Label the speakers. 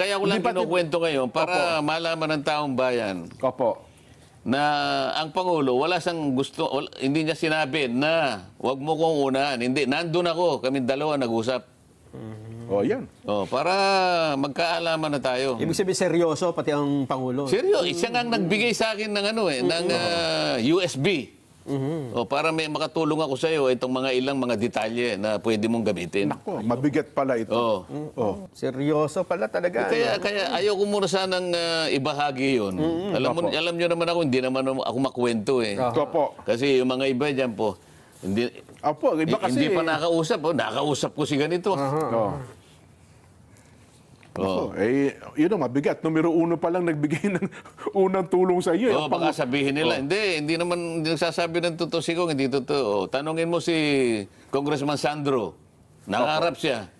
Speaker 1: kaya ko lang kinukwento ngayon para malaman ng taong bayan
Speaker 2: Opo.
Speaker 1: na ang Pangulo, hindi niya sinabi na wag mo kong unahan. Hindi, nandun ako, kami dalawa nag-usap.
Speaker 2: O, yan.
Speaker 1: Para magkaalaman na tayo.
Speaker 3: Ibig sabihin seryoso pati ang Pangulo.
Speaker 1: Seryo, siya nga nagbigay sa akin ng ng USB. Para may makatulong ako sa iyo itong mga ilang mga detalye na pwede mong gamitin.
Speaker 2: Nako, mabigat pala ito. Oh.
Speaker 3: Seryoso pala talaga.
Speaker 1: Kaya ayaw ko muna sanang ibahagi 'yon. Alam niyo naman ako, hindi naman ako makwento eh.
Speaker 2: Opo.
Speaker 1: Kasi yung mga iba diyan po,
Speaker 2: Opo, iba kasi.
Speaker 1: hindi pa nakausap. Nakausap ko si ganito.
Speaker 2: Yun ang mabigat. Numero 1 pa lang nagbigay ng unang tulong sa iyo.
Speaker 1: Baka sabihin nila, hindi nagsasabi ng totoo si Kong, hindi totoo. Tanungin mo si Congressman Sandro. Nakaharap siya.